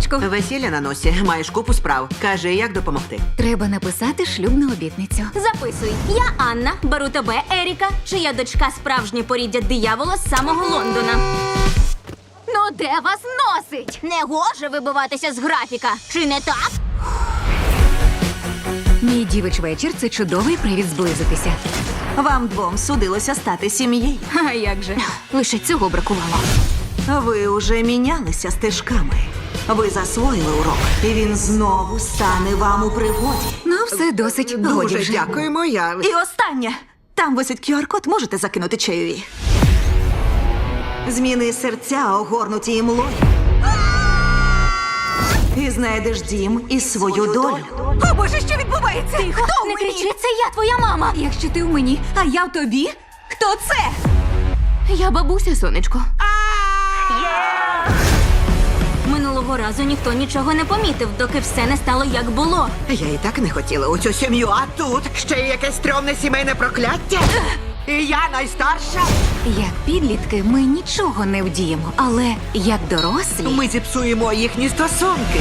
сонечко. Весілля на носі, маєш купу справ. Кажи, як допомогти. Треба написати шлюбну обітницю. Записуй. Я Анна, беру тебе, Еріка, чия дочка справжнє поріддя диявола з самого Лондона. Ну де вас носить? Не гоже вибиватися з графіка. Чи не так? Мій дівич вечір – це чудовий привід зблизитися. Вам двом судилося стати сім'єю. А як же? Лише цього бракувало. Ви уже мінялися стежками. Ви засвоїли урок, і він знову стане вам у пригоді. Ну, все досить. Годі Дуже вже. дякуємо, я. І останнє. Там висить QR-код, можете закинути чайові. Зміни серця, огорнуті імлою. І знайдеш дім і свою долю. О, Боже, що відбувається? Ти хто Не кричи, це я, твоя мама. Якщо ти в мені, а я в тобі, хто це? Я бабуся, сонечко. Минулого разу ніхто нічого не помітив, доки все не стало як було. Я і так не хотіла у цю сім'ю, а тут ще й якесь стрьомне сімейне прокляття. І я найстарша. Як підлітки ми нічого не вдіємо, але як дорослі... Ми зіпсуємо їхні стосунки.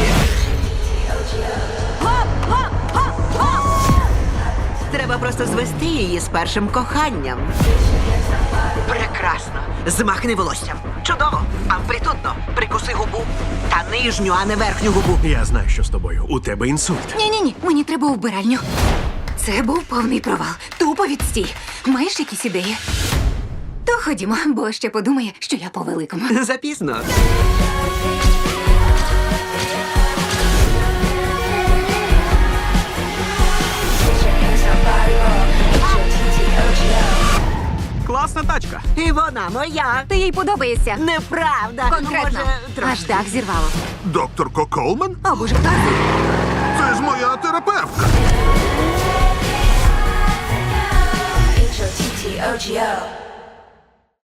Треба просто звести її з першим коханням. Прекрасно. Змахни волоссям. Чудово. Амплітудно. Прикуси губу. Та нижню, а не верхню губу. Я знаю, що з тобою. У тебе інсульт. Ні, мені треба у вбиральню. Це був повний провал. Тупо відстій. Маєш якісь ідеї? То ходімо, бо ще подумає, що я по великому. Запізно. Класна тачка. І вона моя. Ти їй подобаєшся. Неправда. Конкретно. Може, Аж так зірвало. Доктор Колман? О, Боже, так. Це ж моя терапевтка. H-O-T-T-O-G-O